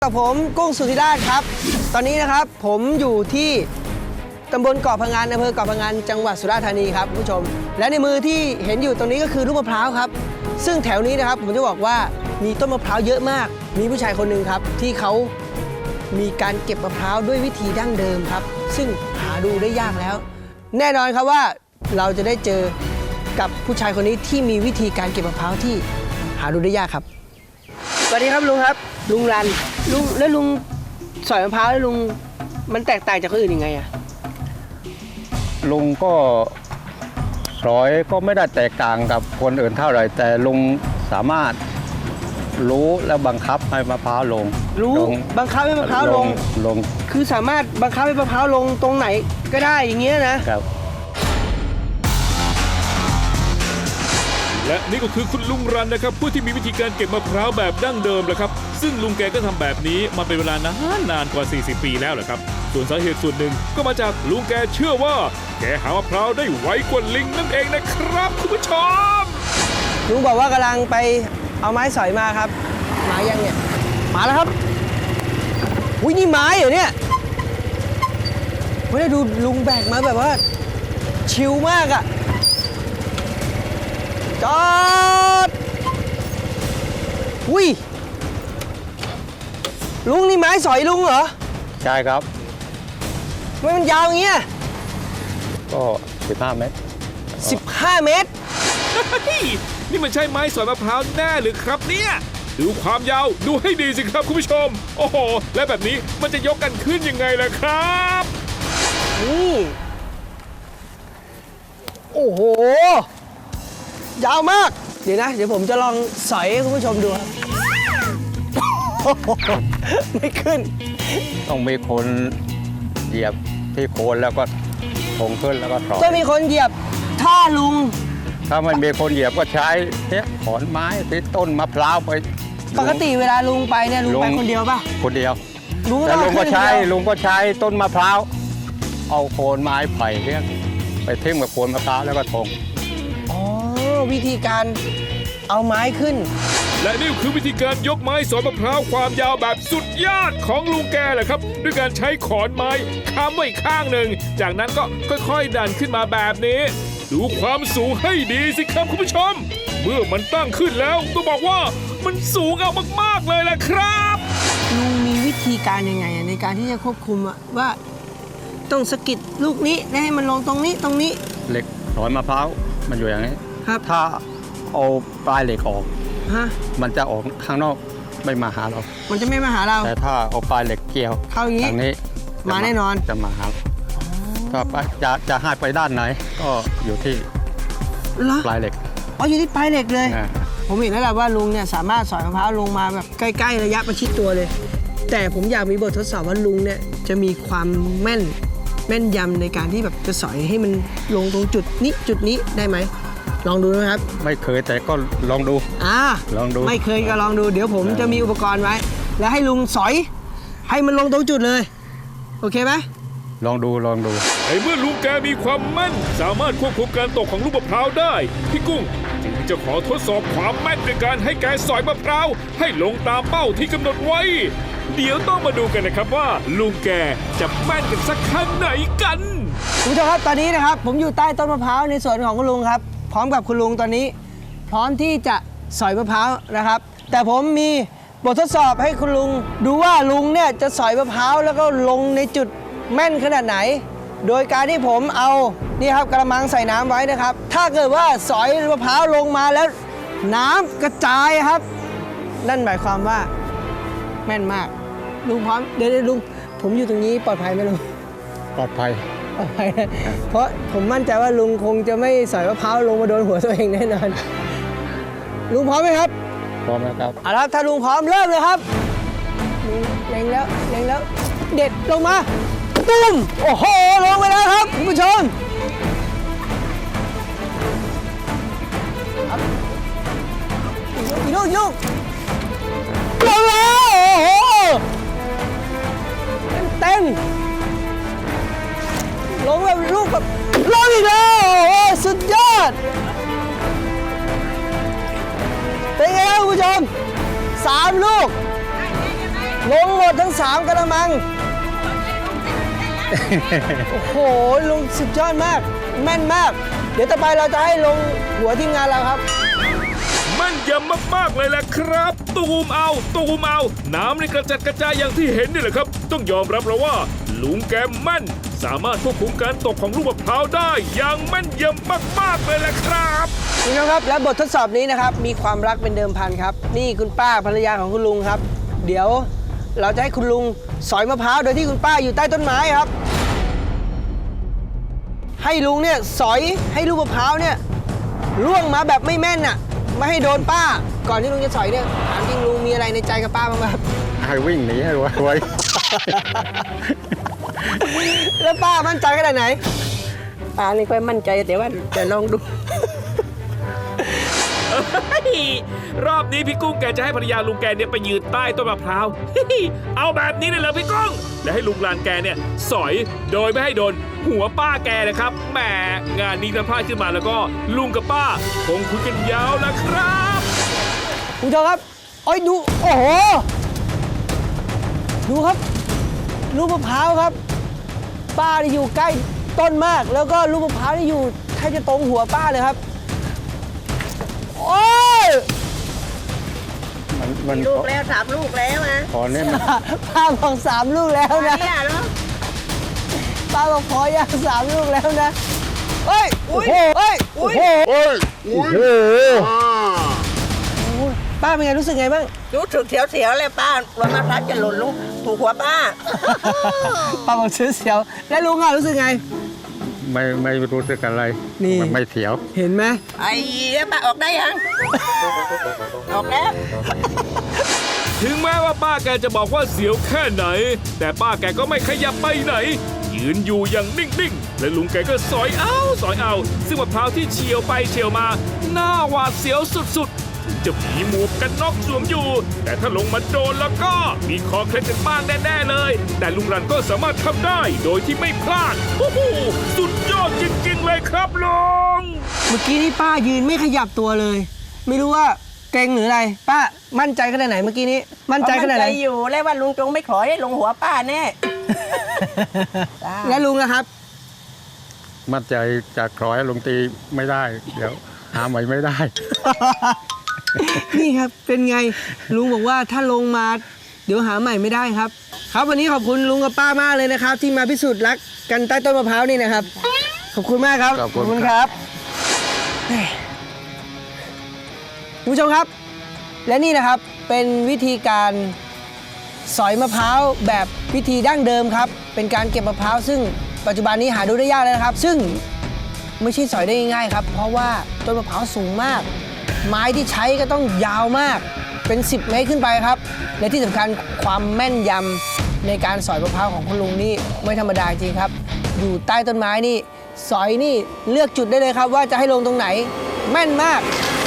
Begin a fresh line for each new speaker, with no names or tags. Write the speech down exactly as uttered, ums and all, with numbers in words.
กับผมกุ้งสุธิราชครับตอนนี้นะครับผมอยู่ที่ตำบลเกาะพะงันอำเภอเกาะพะงันจังหวัดสุราษฎร์ธานีครับผู้ชมและในมือที่เห็นอยู่ตรงนี้ก็คือลูกมะพร้าวครับซึ่งแถวนี้นะครับผมจะบอกว่ามีต้นมะพร้าวเยอะมากมีผู้ชายคนหนึ่งครับที่เขามีการเก็บมะพร้าวด้วยวิธีดั้งเดิมครับซึ่งหาดูได้ยากแล้ว แน่นอนครับว่าเราจะได้เจอกับผู้ชายคนนี้ที่มีวิธีการเก็บมะพร้าวที่หาดูได้ยากครับสวัสดีครับลุงครับลุงรันลุงแล้วลุงสอยมะพร้าวแล้วลุงมันแตกต่างจากคนอื่นยังไงอะ
ลุงก็สอยก็ไม่ได้แตกต่างกับคนอื่นเท่าไหร่แต่ลุงสามารถรู้และบังคับให้มะพร้าวลง
รู้บังคับให้มะพร้าวลง
ลง
คือสามารถบังคับให้มะพร้าวลงตรงไหนก็ได้อย่างเงี้ยนะครับ
และนี่ก็คือคุณลุงรันนะครับผู้ที่มีวิธีการเก็บมะพร้าวแบบดั้งเดิมแหละครับซึ่งลุงแกก็ทำแบบนี้มาเป็นเวลานานนานกว่าสี่สิบปีแล้วแหละครับส่วนสาเหตุส่วนหนึ่งก็มาจากลุงแกเชื่อว่าแกหามะพร้าวได้ไวกว่าลิงนั่นเองนะครับคุณผู้ชม
ลุงบอกว่ากำลังไปเอาไม้สอยมาครับไม้ยังเนี่ยมาแล้วครับอุ้ยนี่ไม้เหรอเนี่ยไม่ได้ดูลุงแบกมาแบบว่าชิลมากอะจอดอุ้ยลุงนี่ไม้สอยลุงเหรอ
ใช่ครับ
ทำไมมันยาวอย่างเงี้ย
ก็สิบห้าเมตร
สิบห้าเมตร
นี่มันใช่ไม้สอยมะพร้าวแน่หรือครับเนี่ยดูความยาวดูให้ดีสิครับคุณผู้ชมโอ้โหและแบบนี้มันจะยกกันขึ้นยังไงล่ะครับ
นี่โอ้โหยาวมากเดี๋ยวนะเดี๋ยวผมจะลองสอยให้คุณผู้ชมดูครับไม่ขึ้น
ต้องมีคนเหยียบที่โคนแล้วก็คงขึ้นแล้วก็ถอย
ต้องมีคนเหยียบถ้าลุง
ถ้าไม่มีคนเหยียบก็ใช้เนี่ยขอนไม้ที่ต้นมะพร้าวไป
ปกติเวลาลุงไปเนี่ยลุงไปคนเดียวป่ะ
คนเดียว
ลุง
แต่ลุงก็ใช้ลุงก็ใช้ต้นมะพร้าวเอาโคนไม้ไผ่เนี่ยไปทิ่มกับโคนมะพร้าวแล้วก็ทง
อ๋อวิธีการเอาไม้ขึ้น
และนี่คือวิธีการยกไม้สอยมะพร้าวความยาวแบบสุดยอดของลุงแกแหละครับด้วยการใช้ขอนไม้ค้ำไว้ข้างหนึ่งจากนั้นก็ค่อยๆดันขึ้นมาแบบนี้ดูความสูงให้ดีสิครับคุณผู้ชมเมื่อมันตั้งขึ้นแล้วต้องบอกว่ามันสูงเอามากๆเลยแหละครับ
ลุงมีวิธีการยังไงในการที่จะควบคุมว่าต้องสะกิดลูกนี้ให้มันลงตรงนี้ตรงนี้
เหล็กขอนมะพร้าวมันอยู่อย่างนี้
ครับ
ถ้าเอาปลายเหล็กออก
ฮะ
มันจะออกข้างนอกไม่มาหาเรา
มันจะไม่มาหาเรา
แต่ถ้าเอาปลายเหล็กเกี่ยว
เข้าอย่างนี้
นี้
มาแน่นอน
จะมาหาถ้าจะจะให้ไปด้านไหนก็อยู่ที่ปลายเหล็ก
อ๋ออยู่ที่ปลายเหล็กเลยผมเห็นแล้วแหละว่าลุงเนี่ยสามารถสอยมะพร้าวลงมาแบบใกล้ๆระยะประชิดตัวเลยแต่ผมอยากมีบททดสอบว่าลุงเนี่ยจะมีความแม่นแม่นยำในการที่แบบจะสอยให้มันลงตรงจุดนี้จุดนี้ได้ไหมลองดูนะครับ
ไม่เคยแต่ก็ลองดู
อ่า
ลองดู
ไม่เคยก็ลองดูเดี๋ยวผมจะมีอุปกรณ์ไว้แล้วให้ลุงสอยให้มันลงตรงจุดเลยโอเคไหม
ลองดูลองดู
ไอ้เมื่อลุงแกมีความแม่นสามารถควบคุมการตกของลูกมะพร้าวได้พี่กุ้งจึงจะขอทดสอบความแม่นด้วยการให้แกสอยมะพร้าวให้ลงตามเป้าที่กำหนดไว้เดี๋ยวต้องมาดูกันนะครับว่าลุงแกจะแม่นกันสักขนาดไหนกัน
คุณผู้ชมครับตอนนี้นะครับผมอยู่ใต้ต้นมะพร้าวในสวนของคุณลุงครับพร้อมกับคุณลุงตอนนี้พร้อมที่จะสอยมะพร้าวนะครับแต่ผมมีบททดสอบให้คุณลุงดูว่าลุงเนี่ยจะสอยมะพร้าวแล้วก็ลงในจุดแม่นขนาดไหนโดยการที่ผมเอานี่ครับกระมังใส่น้ำไว้นะครับถ้าเกิดว่าสอยมะพร้าวลงมาแล้วน้ำกระจายครับนั่นหมายความว่าแม่นมากลุงพร้อมเดี๋ยวลุงผมอยู่ตรงนี้ปลอดภัยไหมลุง
ปลอดภัย
ปลอดภัยเพราะผมมั่นใจว่าลุงคงจะไม่สอยมะพร้าวลงมาโดนหัวตัวเองแน่นอนลุงพร้อมไหมครับ
พร้อมแล้วครับ
เอาละถ้าลุงพร้อมเริ่มเลยครับเล็งแล้วเล็งแล้วเด็ดลงมาตุ้มโอ้โหลงไปแล้วครับคุณผู้ชมอีกลูกอีกลูกลงแล้วโอ้โหเต็มลงแบบลูกแบบลงอีกแล้วโอ้โหสุดยอดเป็นไงครับคุณผู้ชมสามลูกลงหมดทั้งสามกระมัง โอ้โหลุงสุดยอดมาก แม่นมาก เดี๋ยวต่อไปเราจะให้ลงหัวทีมงานเราครับ
แม่นยำมากๆเลยแหละครับ ตูมเอาตูมเอา น้ำในกระจัดกระจายอย่างที่เห็นนี่แหละครับ ต้องยอมรับแล้วว่า ลุงแกแม่น สามารถควบคุมการตกของลูกมะพร้าวได้อย่างแม่นยำมากๆเลยแหละครับ
คุณผู้ชมครับและบททดสอบนี้นะครับมีความรักเป็นเดิมพันครับ นี่คุณป้าภรรยาของคุณลุงครับ เดี๋ยวเราจะให้คุณลุงสอยมะพร้าวโดยที่คุณป้าอยู่ใต้ต้นไม้ครับ ให้ลุงเนี่ยสอยให้ลูกมะพร้าวเนี่ยร่วงมาแบบไม่แม่นน่ะไม่ให้โดนป้า ก่อนที่ลุงจะสอยเนี่ยถามจริงลุงมีอะไรในใจกับป้าบ้างไหมครับ
ให้วิ่งหนีให้ไว
แล้วป้ามั่นใจขนาดไหน
ป้านี่ค่อยมั่นใจแต่ว่าจะลองดู
รอบนี้พี่กุ้งแกจะให้ภรรยาลุงแกเนี่ยไปยืนใต้ต้นมะพร้าว เอาแบบนี้เลยเหรอพี่กุ้งและให้ลุงลานแกเนี่ยสอยโดยไม่ให้โดนหัวป้าแกนะครับแหมงานนี้ถ้าพลาดขึ้นมาแล้วก็ลุงกับป้าคงคุยกันยาวแล้วครับ
คุณผู้ชมครับโอ้ยดูโอ้โหดูครับลูกมะพร้าวครับ ป้าที่อยู่ใกล้ต้นมาก แล้วก็ลูกมะพร้าวที่อยู่แทบจะตรงหัวป้าเลยครับโอ้ย
ๆมันมัน
ลูกแล้วสามลูกแล้วนะ
พอเนี่ยมัน
ป้าบอกสามลูกแล้วนะ
เนี่ยเนาะ
ป้าบอกพอยังสามลูกแล้วนะเฮ้ยโอ้โหเฮ้ยโอ้โห
โอ้โห
ป้าเป็นไงรู้สึกไงบ้าง
รู้สึกเสียวๆเลยป้าวันมะพร้าวจะหล่นลูกถูกหัวป้า
ป้าบอกซื้อเสียวแล้วลุงอ่ะรู้สึกไง
ไม่ไม่รู้สึกอะไร
นี่
มันไม่เสียว
เห็นไหม
ไอ้แล้วป้าออกได้ยัง ออกแล้ว
ถึงแม้ว่าป้าแกจะบอกว่าเสียวแค่ไหน แต่ป้าแกก็ไม่ขยับไปไหน ยืนอยู่อย่างนิ่งๆ และลุงแกก็สอยเอาสอยเอา ซึ่งมะพร้าวที่เฉียวไปเฉียวมาหน้าหวาดเสียวสุดๆ ถึงจะมีหมวกกันน็อกสวมอยู่ แต่ถ้าลงมาโดนแล้วก็มีคอเคล็ดกันบ้างแน่ๆเลย แต่ลุงรันก็สามารถทำได้โดยที่ไม่พลาดโอ้โหสุดยอดจริงๆเลยครับลุง
เมื่อกี้นี่ป้ายืนไม่ขยับตัวเลย ไม่รู้ว่าเกรงหรืออะไร ป้ามั่นใจขนาดไหนเมื่อกี้นี้ มั่นใจขนาดไหน
มั่อยู่แล้วว่าลุงจงไม่ขอให้ลงหัวป้าแน่
และลุงนะครับ
มั่นใจจากร้อยลงตีไม่ได้ เดี๋ยวหาใหม่ไม่ได้
นี่ครับเป็นไงลุงบอกว่าถ้าลงมาเดี๋ยวหาใหม่ไม่ได้ครับ ครับวันนี้ขอบคุณลุงกับป้ามากเลยนะครับ ที่มาพิสูจน์รักกันใต้ต้นมะพร้าวนี่นะครับ ขอบคุณมากครับ
ขอบคุณ
ครับเฮ้ยคุณผู้ชมครับ และนี่นะครับเป็นวิธีการสอยมะพร้าวแบบวิธีดั้งเดิมครับ เป็นการเก็บมะพร้าวซึ่งปัจจุบันนี้หาดูได้ยากแล้วนะครับ ซึ่งไม่ใช่สอยได้ง่ายๆครับ เพราะว่าต้นมะพร้าวสูงมาก ไม้ที่ใช้ก็ต้องยาวมากเป็นสิบเมตรขึ้นไปครับและที่สำคัญความแม่นยำในการสอยมะพร้าวของคุณลุงนี่ไม่ธรรมดาจริงครับ อยู่ใต้ต้นไม้นี่สอยนี่เลือกจุดได้เลยครับ ว่าจะให้ลงตรงไหนแม่นมาก